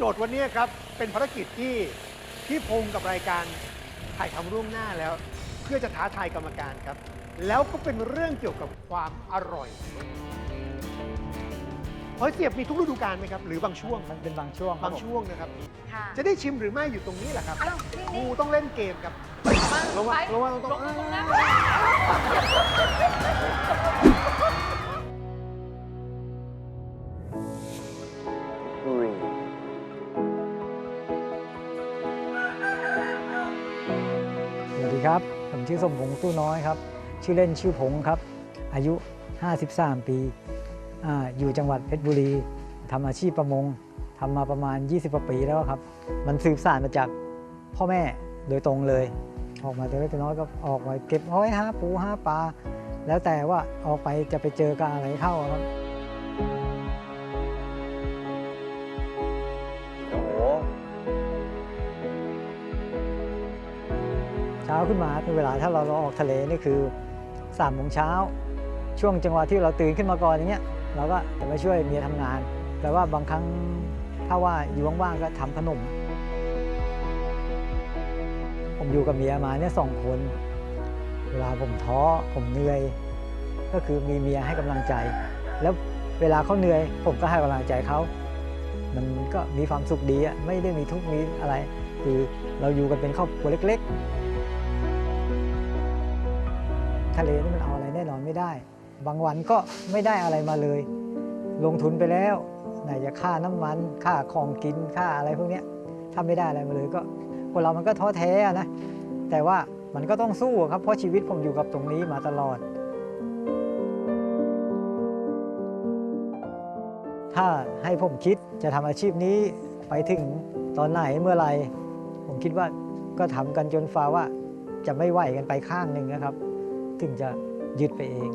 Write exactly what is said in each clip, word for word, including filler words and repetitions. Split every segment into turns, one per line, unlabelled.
จทย์วันนี้ครับเป็นภารกิจที่พี่พงศ์กับรายการถ่ายทำร่วงหน้าแล้ว เพื่อจะท้าทายกรรมการครับ แล้วก็เป็นเรื่องเกี่ยวกับความอร่อยหอยเสียบมีทุกฤดูกาลไหมครับหรือบางช่วง
มันเป็นบางช่วงครับ
บางช่วงนะครับ
ค่ะ
จะได้ชิมหรือไม่อยู่ตรงนี้แหละครับ
อ้าวนี่
ครู
นี่
ต้องเล่นเกมครับระวังระวังต้อง
ลงตรงนั้น
สวัสดีครับ ผมชื่อสมพงษ์ตู้น้อยครับ ชื่อเล่นชื่อผงครับ อายุ ห้าสิบสาม ปีอ่าอยู่จังหวัดเพชรบุรีทำอาชีพประมงทำมาประมาณ ยี่สิบกว่าปีแล้วครับ มันสืบสานมาจากพ่อแม่โดยตรงเลย ออกมาแต่เล็กแต่น้อยก็ออกมาเก็บหอยหาปูหาปลา แล้วแต่ว่าออกไปจะไปเจอกับอะไรเข้าครับ
โอ้โห
เช้าขึ้นมาเป็นเวลาถ้าเราเราออกทะเลนี่คือสามโมงเช้าช่วงจังหวะที่เราตื่นขึ้นมาก่อนอย่างเงี้ยเราก็จะไปช่วยเมียทำงาน แต่ว่าบางครั้งถ้าว่าอยู่ว่างๆก็ทำขนม ผมอยู่กับเมียมาเนี่ยสองคน เวลาผมท้อผมเหนื่อย ก็คือมีเมียให้กำลังใจ แล้วเวลาเขาเหนื่อย ผมก็ให้กำลังใจเขา มันก็มีความสุขดีอะไม่ได้มีทุกข์มีอะไร คือเราอยู่กันเป็นครอบครัวเล็กๆ ทะเลนี่มันเอาอะไรแน่นอนไม่ได้ บางวันก็ไม่ได้อะไรมาเลย ลงทุนไปแล้วไหนจะค่าน้ำมันค่าของกินค่าอะไรพวกเนี้ยถ้าไม่ได้อะไรมาเลยก็คนเรามันก็ท้อแท้อะนะ แต่ว่ามันก็ต้องสู้ครับเพราะชีวิตผมอยู่กับตรงนี้มาตลอด ถ้าให้ผมคิดจะทำอาชีพนี้ไปถึงตอนไหนเมื่อไหร่ผมคิดว่าก็ทำกันจนฟ้าว่าจะไม่ไหวกันไปข้างหนึ่งนะครับ ถึงจะยึดไปเอง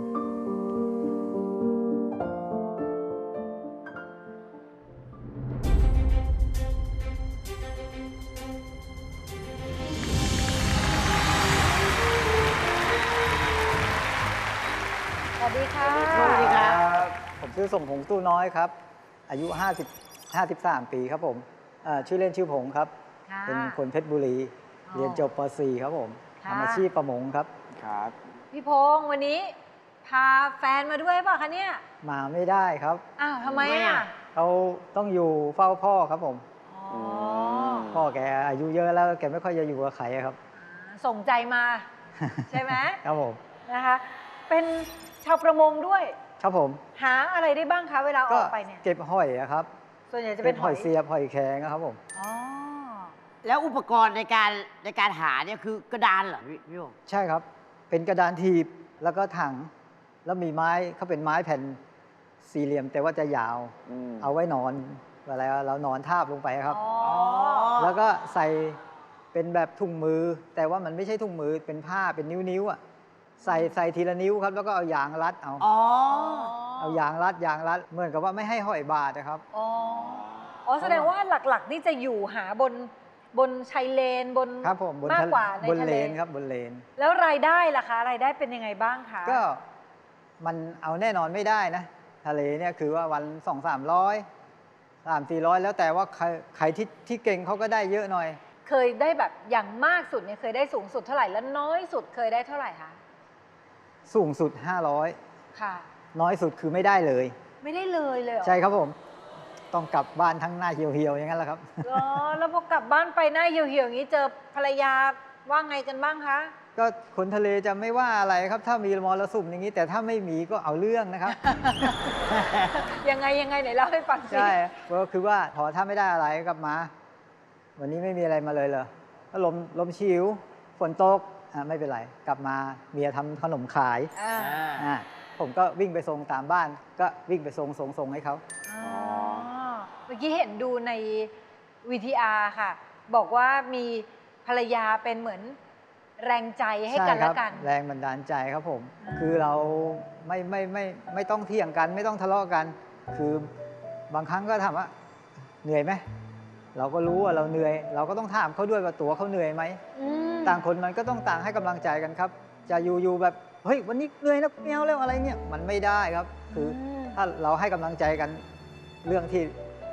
สวัสดีค่ะ
สวัสดีครับ
ผมชื่อสมพงษ์ตู้น้อยครับ อายุ ห้าสิบ ห้าสิบสาม ปีครับผมอ่าชื่อเล่นชื่อผงครับ
ค่ะ
เป็นคนเพชรบุรี
อ๋อ
เรียนจบป .สี่ ครับผม
ค่ะ
ทำอาชีพประมงครับ
ครับ
พี่พงษ์วันนี้พาแฟนมาด้วยเปล่ะคะเนี่ย
มาไม่ได้ครับ
อ้าวทำไม
ทำไม
อ่ะ
อ่ะ
เขาต้องอยู่เฝ้าพ่อครับผม
อ๋อ
พ่อแกอายุเยอะแล้วแกไม่ค่อยจะอยู่กับใครอะครับ
อ่าส่งใจมา ใช่ไหม
ครับผม
นะคะ เป็นชาวประมงด้วย
ครับผม
หาอะไรได้บ้างคะเวลาอ
ก็
อกไปเนี่ย
เก็บหอยอะครับ
ส่วนใหญ่จะเป็น
หอยเสียบหอยแครงอะครับผม
อ๋อ
แล้วอุปกรณ์ในการในการหาเนี่ยคือกระดานเหรอพี่พี่โอ
ใช่ครับ เป็นกระดานถีบแล้วก็ถัง แล้วมีไม้เขาเป็นไม้แผ่นสี่เหลี่ยม แต่ว่าจะยาว
อืม
เอาไว้นอนเวลาเรานอนทาบลงไปครับ
อ๋อ
แล้วก็ใส่เป็นแบบถุงมือ แต่ว่ามันไม่ใช่ถุงมือเป็นผ้าเป็นนิ้วๆอ่ะใส่ใส่ทีละนิ้วครับ แล้วก็เอายางรัดเอา
อ๋อ
เอายางรัดยางรัดเหมือนกับว่าไม่ให้หอยบาดนะครับ
อ๋อ อ๋อ แสดงว่าหลักๆ นี่จะอยู่หาบนบนชายเลนบน
ครับผมบน
มาก
ทะ
กว่าใน
บน
ทะ
เล
เล
นครับบนเลน
แล้วรายได้ล่ะคะ รายได้เป็นยังไงบ้างคะ
ก็มันเอาแน่นอนไม่ได้นะ ทะเลเนี่ยคือว่าวันสองสามร้อยสามสี่ร้อยแล้วแต่ว่าใครใครที่ที่เก่งเขาก็ได้เยอะหน่อย
เคยได้แบบอย่างมากสุดเนี่ยเคยได้สูงสุดเท่าไหร่แล้วน้อยสุดเคยได้เท่าไหร่คะ
สูงสุด ห้าร้อย
ค่ะ
น้อยสุดคือไม่ได้เลย
ไม่ได้เลยเลยเหรอ
ใช่ครับผม ต้องกลับบ้านทั้งหน้าเหี่ยวๆอย่างนั้นแหละครับ
อ๋อแล้วพอกลับบ้านไปหน้าเหี่ยวๆอย่างนี้เจอภรรยาว่าไงกันบ้างคะ
ก็คนทะเลจะไม่ว่าอะไรครับ ถ้ามีมรสุมอย่างนี้ แต่ถ้าไม่มีก็เอาเรื่องนะครับ
ยังไงยังไงไหนเล่าให้ฟังสิ
ใช่ก็คือว่าพอถ้าไม่ได้อะไรก็กลับมา วันนี้ไม่มีอะไรมาเลยเหรอก็ลมลมชิวฝนตกอ่ะไม่เป็นไร กลับมาเมียทำขนมขาย
อ่า
อ่ะผมก็วิ่งไปส่งตามบ้าน ก็วิ่งไปส่งส่งส่งให้เขา
อ๋อเมื่อกี้เห็นดูใน วี ที อาร์ ค่ะ บอกว่ามีภรรยาเป็นเหมือนแรงใจให้กัน
ใช่ค
และ
รับ
กัน
แรงบันดาลใจครับผม
อ่า
คือเราไม่ไม่ไม่ไม่ต้องเถียงกัน ไม่ต้องทะเลาะกัน คือบางครั้งก็ถามว่าเหนื่อยไหมเราก็รู้ว่าเราเหนื่อย เราก็ต้องถามเขาด้วยว่าตัวเขาเหนื่อยไหม
อืม
ต่างคนมันก็ต้องต่างให้กำลังใจกันครับ จะอยู่อยู่แบบเฮ้ยวันนี้เหนื่อยนะไม่เอาแล้วอะไรเนี่ยมันไม่ได้ครับ คืออ
ม
ถ้าเราให้กำลังใจกันเรื่องที่ท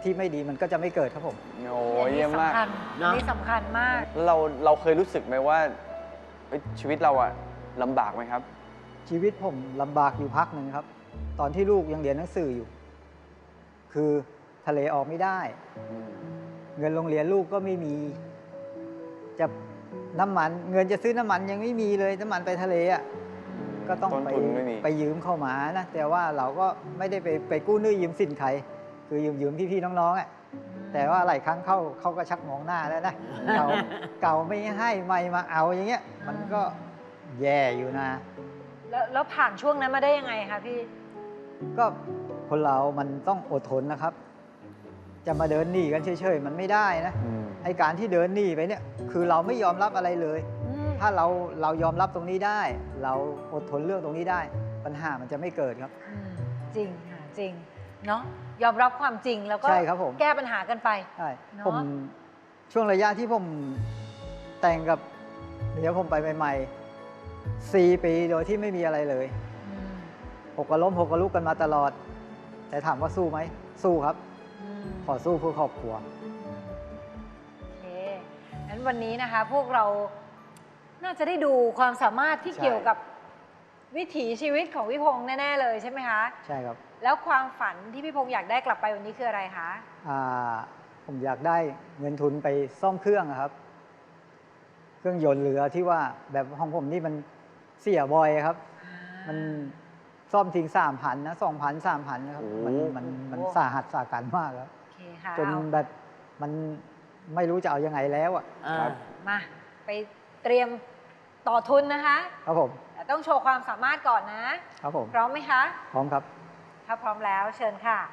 ที่ไม่ดีมันก็จะไม่เกิดครับผม
โอ้ยเยี่ยมมาก
อันนี้สำคัญอันนี้สำคัญมาก
แล้วเราเราเคยรู้สึกไหมว่าเอ้ยชีวิตเราอะลำบากไหมครับ
ชีวิตผมลำบากอยู่พักหนึ่งครับ ตอนที่ลูกยังเรียนหนังสืออยู่ คือทะเลออกไม่ได้ เงินโรงเรียนลูกก็ไม่มี จะน้ำมัน เงินจะซื้อน้ำมันยังไม่มีเลยน้ำมันไปทะเลอ่ะก็ต้อง
ต้น
ไป
ทุนไม่มี
ไปยืมเข้ามานะ แต่ว่าเราก็ไม่ได้ไปไปกู้หนี้ยืมสินใคร คือยืมยืมพี่ๆน้องๆอ่ะแต่ว่าหลายครั้งเข้าเขาก็ชักมองหน้าแล้วนะ เก่าเก่าไม่ให้ไม่มาเอาอย่างเงี้ย มันก็แย่อยู่นะ
แล้วแล้วผ่านช่วงนั้นมาได้ยังไงคะพี่
ก็คนเรามันต้องอดทนนะครับ จะมาเดินหนีกันเฉยๆมันไม่ได้นะ
อืม
ไอการที่เดินหนีไปเนี่ย คือเราไม่ยอมรับอะไรเลย
อืม
ถ้าเราเรายอมรับตรงนี้ได้ เราอดทนเรื่องตรงนี้ได้ ปัญหามันจะไม่เกิดครับ
อืมจริงค่ะจริงเนาะยอมรับความจริงแล้วก็
ใช่ครับผม
แก้ปัญหากันไป
ใช่
เนอะ
ผมช่วงระยะที่ผมแต่งกับเมียผมไปใหม่ๆสี่ปีโดยที่ไม่มีอะไรเลย
อืม
หกกระล้มหกกระลุกกันมาตลอด แต่ถามว่าสู้ไหมสู้ครับ
อืม
ขอสู้เพื่อครอบครัว
โอเคงั้นวันนี้นะคะ พวกเราน่าจะได้ดูความสามารถที่
ใช่
เกี่ยวกับวิถีชีวิตของพี่พงษ์แน่ๆเลยใช่ไหมคะ
ใช่ครับ
แล้วความฝันที่พี่พงษ์อยากได้กลับไปวันนี้คืออะไรคะ
อ่าผมอยากได้เงินทุนไปซ่อมเครื่องอะครับ เครื่องยนต์เรือที่ว่าแบบของผมนี่มันเสียบ่อยครับ มันซ่อมทิ้งสามพันนะสองพันสามพันนะครับ
โอ้
มันมันมันสาหัสสากันมากครับ
โอเคค่ะ
จน
เอา
แบบมันไม่รู้จะเอายังไงแล้วอ่ะ
ครับ
มาไปเตรียมต่อทุนนะคะ
ครับผม
แต่ต้องโชว์ความสามารถก่อนนะ
ครับผม
พร้อมไหมคะ
พร้อมครับ
ถ้าพร้อมแล้วเชิญค่ะ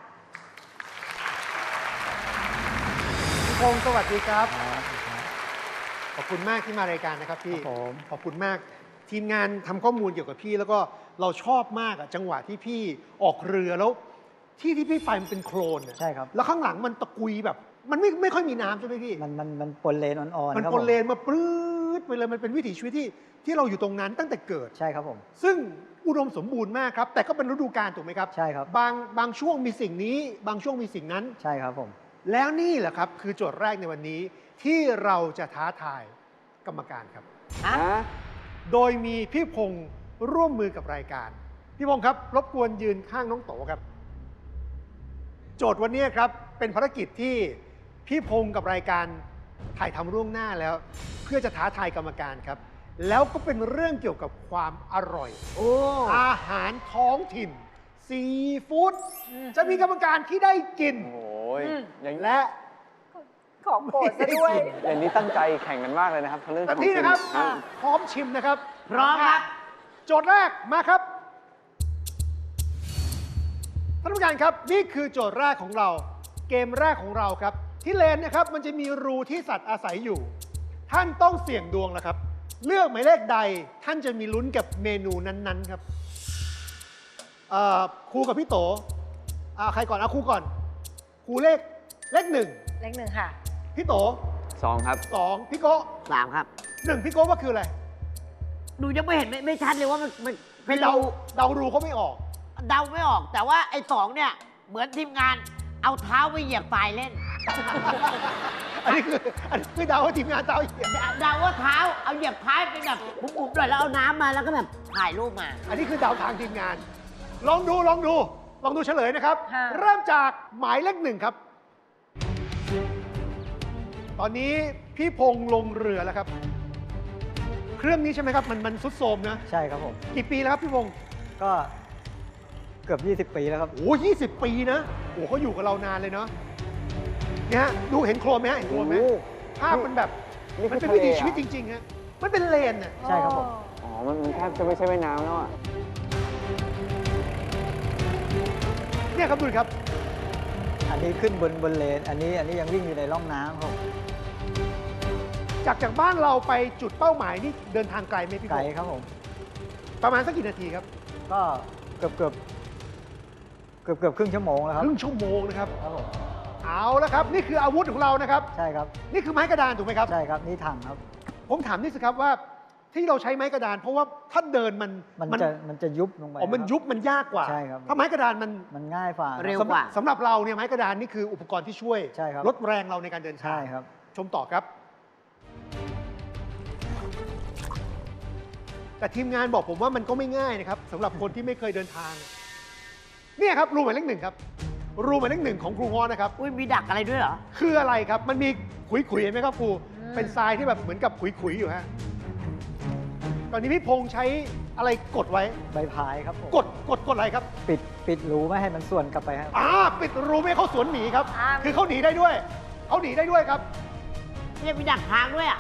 พี่พงศ์สวัสดีครับ ขอบคุณมากที่มารายการนะครับพี่
ครับผม
ขอบคุณมาก ทีมงานทำข้อมูลเกี่ยวกับพี่ แล้วก็เราชอบมากอะจังหวะที่พี่ออกเรือแล้ว ที่ที่พี่ไปมันเป็นโคลนอะ
ใช่ครับ
แล้วข้างหลังมันตะกุยแบบ มันไม่ไม่ค่อยมีน้ำใช่ไหมพี่
มันมันมันปนเลนอ่อนๆ
มัน
ครับ
ป
ผ
น
ม
เลนมาปลื้ดไปเลยมันเป็นวิถีชีวิตที่ที่เราอยู่ตรงนั้นตั้งแต่เกิด
ใช่ครับผม
ซึ่งอุดมสมบูรณ์มากครับ แต่ก็เป็นฤดูกาลถูกไหมครับ
ใช่ครับ
บางบางช่วงมีสิ่งนี้ บางช่วงมีสิ่งนั้น
ใช่ครับผม
แล้วนี่แหละครับ คือโจทย์แรกในวันนี้ที่เราจะท้าทายกรรมการครับ
ฮะ
ฮะ
โดยมีพี่พงศ์ร่วมมือกับรายการ พี่พงศ์ครับ รบกวนยืนข้างน้องโตครับ โจทย์วันนี้ครับเป็นภารกิจที่พี่พงศ์กับรายการถ่ายทำร่วงหน้าแล้ว เพื่อจะท้าทายกรรมการครับ แล้วก็เป็นเรื่องเกี่ยวกับความอร่อย
โอ้
อาหารท้องถิ่น ซีฟู้ด
อืม
จะมีกรรมการที่ได้กิน
โอ้ย
อืม
อย่าง
และ
ของโปรดซะด้วย
อย่างนี้ตั้งใจแข่งกันมากเลยนะครับเรื่อง
แต่
ของ
ที่
กิน
นะครับ
อ่ะ
พร้อมชิมนะครับ
พร้อมครับ
โจทย์แรกมาครับท่านผู้การครับนี่คือโจทย์แรกของเรา เกมแรกของเราครับ ที่เลนนะครับมันจะมีรูที่สัตว์อาศัยอยู่ ท่านต้องเสี่ยงดวงแล้วครับ เลือกหมายเลขใดท่านจะมีลุ้นกับเมนูนั้นๆครับเอ่อครูกับพี่โตอ่าใครก่อนเอาครูก่อนครูเลขเลขหนึ่ง
เลขหนึ่งค่ะ
พี่โต
สองครับ
สองพี่โก้
สามครับ
หนึ่งพี่โก้ว่าคืออะไร
หนูยังไม่เห็นไม่ไม่ชัดเลยว่ามันมันเป็น
เดา
รู
เดารูเขาไม่ออก
เดาไม่ออก แต่ว่าไอ้สองเนี่ย เหมือนทีมงานเอาเท้าไปเหยียบทรายเล่น
อันนี้คืออันนี้คือเดาว่าทีมงานเดาอีก
เดาว่าเท้าเอาเหยียบท้ายไปแบบบุ๋มๆหน่อยแล้วเอาน้ำมาแล้วก็แบบถ่ายรูปมา
อันนี้คือเดาทางทีมงาน ลองดูลองดู ลองดูเฉลยนะครับ
ค่ะ
เริ่มจากหมายเลขหนึ่งครับ ตอนนี้พี่พงษ์ลงเรือแล้วครับ เครื่องนี้ใช่ไหมครับ มันมันซุดโทรมนะ
ใช่ครับผม
กี่ปีแล้วครับพี่พงษ์
ก็เกือบยี่สิบปีแล้วครับ
โอ้ยี่สิบปีนะโอ้เขาอยู่กับเรานานเลยเนาะเนี่ยฮะดูเห็นโครนไหมฮะเห็นโครนไหม
โอ้
ภาพมันแบบ
นี่
มัน
คือ
เป็นวิถี
ทะเลอะ
ชีวิตจริงๆฮะมันเป็นเลนน่ะ
ใช่ครับผม
อ๋อ มันมันแทบจะไม่ใช่แม่น้ำแล้วอ่ะ
เนี่ยครับดูดิครับ
อันนี้ขึ้นบนบนเลน อันนี้อันนี้ยังวิ่งอยู่ในร่องน้ำครับผม
จากจากบ้านเราไปจุดเป้าหมายนี่เดินทางไกลไหมพี่
ไก
พ
ล
งษ์
ครับผม
ประมาณสักกี่นาทีครับ
ก็เกือบเกือบเกือบเกือบครึ่งชั่วโมงแล้วค
ครับ รึ่งชั่วโมงนะครับ
ครับผม
เอาละครับ นี่คืออาวุธของเรานะครับ
ใช่ครับ
นี่คือไม้กระดานถูกไหมครับ
ใช่ครับ นี่ถังครับ
ผมถามนิดสิครับว่าที่เราใช้ไม้กระดาน เพราะว่าถ้าเดินมัน
มันจะมันจะยุบลงไป
อ๋อมัน
ครับ
ยุบมันยากกว่า
ใช่ครับ
ถ้าไม้กระดานมัน
มันง่ายฝ่า
เร็ว
สำหรับสำหรับเราเนี่ยไม้กระดานนี่คืออุปกรณ์ที่ช่วย
ใช่ครับ
ลดแรงเราในการเดินทาง
ใช่ครับ
ชมต่อครับ แต่ทีมงานบอกผมว่ามันก็ไม่ง่ายนะครับสำหรับคนที่ไม่เคยเดินทาง เนี่ยครับรูหมายเลขหนึ่งครับ รูหมายเลขหนึ่งของครูง้อนะครับ
อุ้ยมีดักอะไรด้วยเหรอ
คืออะไรครับ มันมีขุยๆเห็นไหมครับครู เป็นทรายที่แบบเหมือนกับขุยๆอยู่ฮะ ตอนนี้พี่พงษ์ใช้อะไรกดไว้
ใบพายครับผม
กดกดกดอะไรครับ
ปิดปิดรูไม่ให้มันส่วนกลับไปครับ
อ่าปิดรูไม่ให้เขาสวนหนีครับ
อ่า
คือเขาหนีได้ด้วย เขาหนีได้ด้วยครับ
เนี่ยมีดักทางด้วยอ่ะ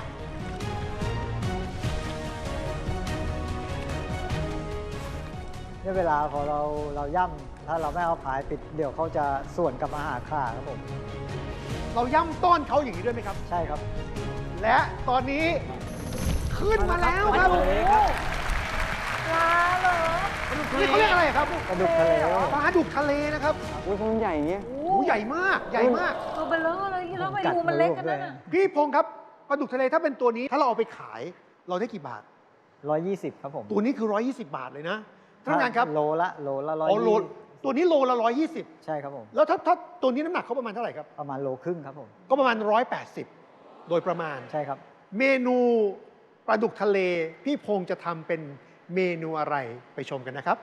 เนี่ยเวลาพอเราเราย่ำถ้าเราไม่เอาพายปิดเดี๋ยวเขาจะส่วนกลับมาหาขาครับผม
เราย่ำต้อนเขาอย่างนี้ด้วยไหมครับ
ใช่ครับ
และตอนนี้ขึ้นมาแล้วครับ
มาเลยครับ
ปลาเหรอ
นี่เขาเรียกอะไรครับ
ปลาดุกทะเล
ปลาดุกทะเลนะครับ
อุ้ยมันใหญ่อย่างเงี้ย
โอ้
โอ้ใหญ่มาก ใหญ่มาก
ตัวเบลอเลยแล้วไปดูมันเล็กกันนั่นน่ะ
พี่พงษ์ครับ ปลาดุกทะเลถ้าเป็นตัวนี้ ถ้าเราเอาไปขาย เราได้กี่บาท
ร้อยยี่สิบครับผม
ตัวนี้คือ หนึ่งร้อยยี่สิบ บาทเลยนะท่านผู้การครับ
โลละโลละร้อย
อ๋อโลตัวนี้โลละหนึ่งร้อยยี่สิบ
ใช่ครับผม
แล้วถ้าถ้าตัวนี้น้ำหนักเขาประมาณเท่าไหร่ครับ
ประมาณโลครึ่งครับผม
ก็ประมาณหนึ่งร้อยแปดสิบโดยประมาณ
ใช่ครับ
เมนูปลาดุกทะเล พี่พงษ์จะทำเป็นเมนูอะไรไปชมกันนะครับ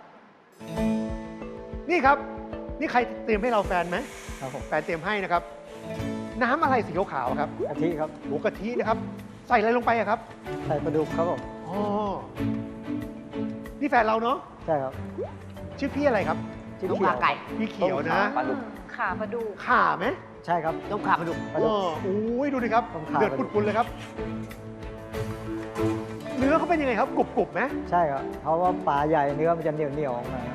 นี่ครับ นี่ใครเตรียมให้เราแฟนไหม
ครับผม
แฟนเตรียมให้นะครับ น้ำอะไรสีขาวๆครับ
กะทิครับ
หมูกะทินะครับ ใส่อะไรลงไปอะครับ
ใส่ปลาดุกครับผม
อ๋อนี่แฟนเราเนาะ
ใช่ครับ
ชื่อพี่อะไรครับ
จิ้ม
ลูก
เขีย
ขาว ไก่
พี่เขียวนะ
ปลาดุก
ขาปลาดุก
ข่าไหม
ใช่ครับ
ต้มขาปลาดุก
ปลาดุก
อ๋ออุ้ยดูดิครับ
ต้มข่า
เดือดปุดๆเลยครับ เนื้อเขาเป็นยังไงครับกรุบๆไหม
ใช่ครับ เพราะว่าปลาใหญ่เนื้อมันจะเหนียวเหนียวๆออกมาครับ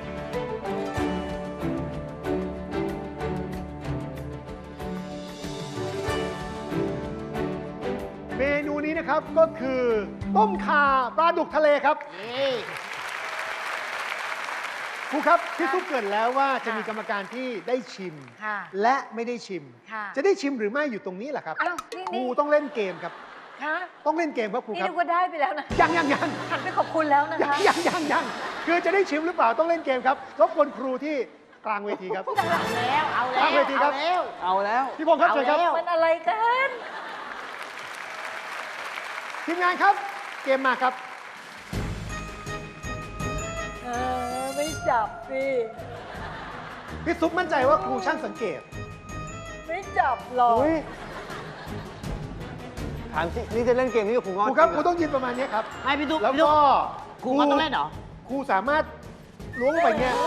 เมนูนี้นะครับก็คือต้มข่าปลาดุกทะเลครับ
นี่
ครูครับพี่ซุปเกรินแล้วว่าจะมีกรรมการที่ได้ชิม
ค่ะ
และไม่ได้ชิม
ค่ะ
จะได้ชิมหรือไม่อยู่ตรงนี้แหละครับ
อ้าวนี่
ครู
นี่
ต้องเล่นเกมครับ
คะ
ต้องเล่นเกมครับครู
นี่
ครับ
นึกว่าได้ไปแล้วนะ
ยังยังยัง
หันไปขอบคุณแล้วนะ
ยัง
คะ
ยังยังยังคือจะได้ชิมหรือเปล่าต้องเล่นเกมครับรบกวนครูที่กลางเวทีครับ
เอาแล้ว เอาแล้ว
ตั้งเวทีครับ
เอาแล้ว
เอาแล้ว
พี่พงษ์ครับเชิญครับ
เอาแล้ว
มันอะไรกัน
ทีมงานครับ เกมมาครับ
เออไม่จับสิ
พี่ซุปมั่นใจว่าครูช่างสังเกต
ไม่จับหรอก
อุ๊ย
ถามสินี่จะเล่นเกมนี้กับครูง้อ
ครูครับ
จ
ครู
งเห
ต้องยืนประมาณนี้ครับ
ไม่พี่ตุ๊ก
แล้ว
พี่ตุ๊
ก็
ครูก็ต้องเล่นเหรอ
ครูสามารถล้วงลงไปเงี้ย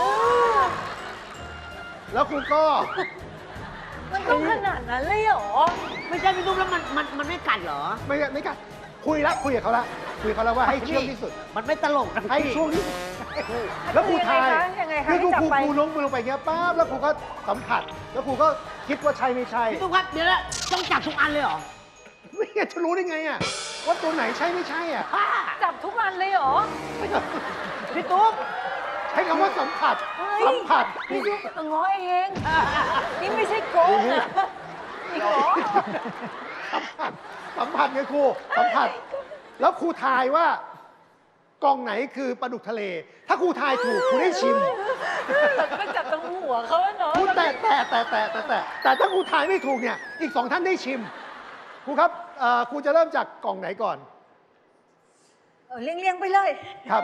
แล้วครูก็
มันต้องขนาดนั้นเลยเหรอ
ไม่ใช่พี่ตุ๊กแล้วมันมันมันไม่กัดเหรอ
ไม่ไม่กัดคุยละคุยกับเขาละคุยกับเขาแล้วว่าให้เชื่อมที่สุด
มันไม่ตลกนะ
ให้
พี่
ช่วงที่สุดแล้วครูทาย
ยังไงคะ
คื
ยังไงคะให้
อครู
จับ
ครู
ไป
ครูล้วงมือลงไปเงี้ยปั๊บแล้วครูก็สัมผัส แล้วครูก็คิดว่าใช่ไม่ใช่
พี่ตุ๊กครับเดี๋ยวนะต้องจับทุกอันเลยเหรอ
ไม่งั้นจะรู้ได้ไงอ่ะว่าตัวไหนใช่ไม่ใช่อ่ะ
บ้า
จับทุกอันเลยเหรอ
พี่ตุ๊ก
ใช้คำว่าสัมผัส
เฮ้ย
สัมผัส
นี่ดูง้อเอง นี่ไม่ใช่โกงนะนี่ง้อ
สัมผัสสัมผัสไงครูสัมผัส แล้วครูทายว่ากล่องไหนคือปลาดุกทะเล ถ้าครูทายถูกครูได้ชิม
ก็จับตรงหัวเขาเนาะ
ครูแต่แต่แต่แต่แต่แต่แต่ถ้าครูทายไม่ถูกเนี่ยอีกสองท่านได้ชิมครูครับเอ่อครูจะเริ่มจากกล่องไหนก่อน
เออเลี้ยงๆไปเลย
ครับ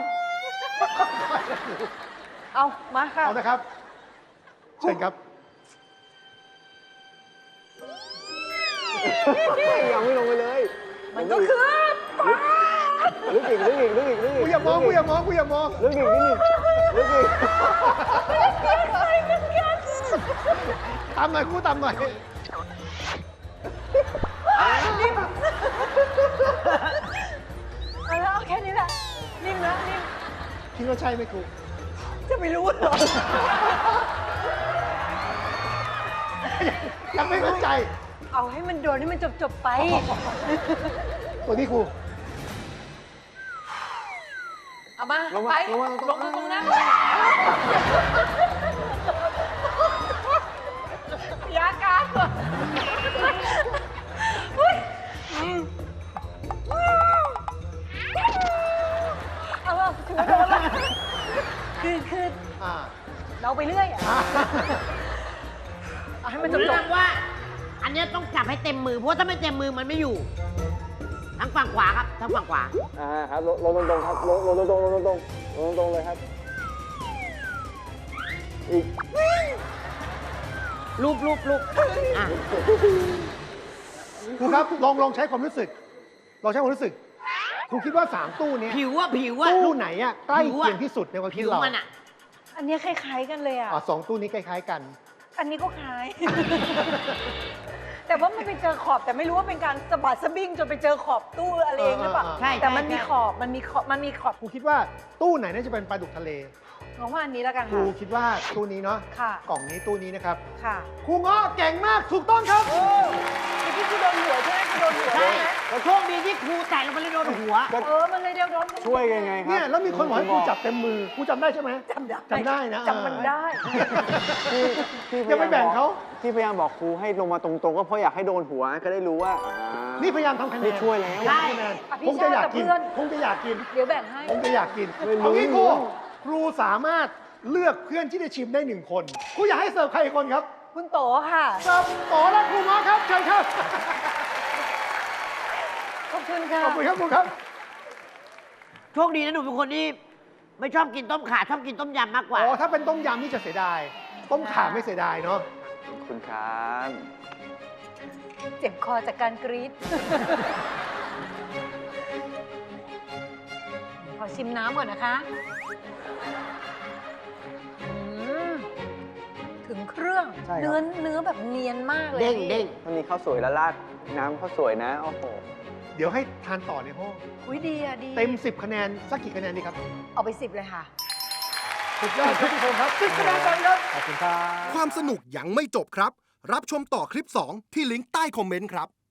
เอา มาค่ะ
เอานะครับเชิญครับ
ยังไม่ลงไปเลย
มันก็คือปลา
ลึกอีกลึกอีกลึกอีกลึกอีก
กูอย่ามองกูอย่ามองกูอย่ามอง
ลึกอีกนิดนึงลึกอีก
ตามหน่อยกูตามหน่อย
เอาแล้วเอาแค่นี้แหละนิ่มนะนิ่ม
คิดว่าใช่ไหมครู
จะไม่รู้เหรอ
ยังไม่เข้าใจ
เอาให้มันโดนให้มันจบๆไป
ตัวนี้ครู
เอามา
ลง
ไป
มาลงมาลง
ลงตรงนั้นยากาศก่อนเฮ้ย
เนี้ยต้องจับให้เต็มมือ เพราะว่าถ้าไม่เต็มมือมันไม่อยู่ ทั้งฝั่งขวาครับ ทั้งฝั่งขวา
อ่าครับลงลงตรงๆครับลงลงตรงๆลงตรงๆลงตรงๆเลยครับ อีก
รูปรูปรูปอ่ะ
ครูครับลองลองใช้ความรู้สึก ลองใช้ความรู้สึก ครูคิดว่าสามตู้เนี้ย
ผิวว่าผิวว่า
ตู้ไหนอะใกล้เคียงที่สุดในความคิ
ผิ
ด
ว
เรา
มันอ่ะ
อันเนี้ยคล้ายๆกันเลยอ่ะ
อ่ะสองตู้นี้คล้ายๆกัน
อันนี้ก็คล้าย แต่ว่ามันไปเจอขอบแต่ไม่รู้ว่าเป็นการสะบัดสะบิ้งจนไปเจอขอบตู้อะไรเองหรือเปล่า
เออเออเออ
ใช่
แต่มัน
ใช่
มีขอบมันมีขอบมันมีขอบ
ครูคิดว่าตู้ไหนน่าจะเป็นปลาดุกทะเล
งงว่าอันนี้แล้วกัน
ครู
ค่ะ
คิดว่าตู้นี้เนาะ
ค่ะ
กล่องนี้ตู้นี้นะครับ
ค่ะ
ครูเงาะเก่งมากถูกต้องครับ
เมื่อกี้คือโดนหัวใช่ไหมคือโดนหัว
ใช่
ใช่ไหม
แต่โชคดีที่ครูแตะลงไปเลยโดนหัว
เออมันเลยเดียวโดน
ช่วยกันไงครับ
เนี่ยแล้วมีคนบอกให้ครูจับเต็มมือครูจำได้ใช่ไหม
จำได้
จำได้นะ
จำมันได้
ที่ที่
อย่าไปแบ่งเขา
ที่พยายามบอกครูให้ลงมาตรงๆ ก็เพราะอยากให้โดนหัวก็ได้รู้ว่าอ่า
นี่พยายามทำคะแน
นี่
น
ช่วยแล้ว
พยายามทำคะแนน
อภิ
คงจะอยากกิน
ชาติกับเพื่อน
คงจะอยากกิน
เดี๋ยวแบ่งให้
คงจะอยากกิน
ไม่รู้
เอางี้ครูครูสามารถเลือกเพื่อนที่จะชิมได้หนึ่งคนครูอยากให้เสิร์ฟใครอีกคนครับ
คุณโตค่ะ
เสิร์ฟโตและครูเงาะครับเชิญครับ
ขอบคุณค่ะ
ขอบคุณครับครูครับ
โชคดีนะหนูเป็นคนที่ไม่ชอบกินต้มข่าชอบกินต้มยำมากกว่า
อ๋อ ถ้าเป็นต้มยำนี่จะเสียดาย ต้มข่าไม่เสียดายเนาะ
ขอบคุณครับ
เจ็บคอจากการกรี๊ด ขอชิมน้ำก่อนนะคะอืมถึงเครื่อง
ใช่ครับ
เนื้อเนื้อแบบเนียนมากเลย
เด้ง
พี่
เด้ง
มันมีข้าวสวยแล้วราดน้ำข้าวสวยนะ โอ้โห
เดี๋ยวให้ทานต่อในห้อง
อุ้ยดีอะดี
เต็มสิบคะแนน สักกี่คะแนนดีครับ
เอาไปสิบเลยค่ะ
สุดยอดครับทุกคนครับสิบคะแนนกันครับ
ขอบคุณครับ
ความสนุกยังไม่จบครับ รับชมต่อคลิป สอง ที่ลิงก์ใต้คอมเมนต์ครับ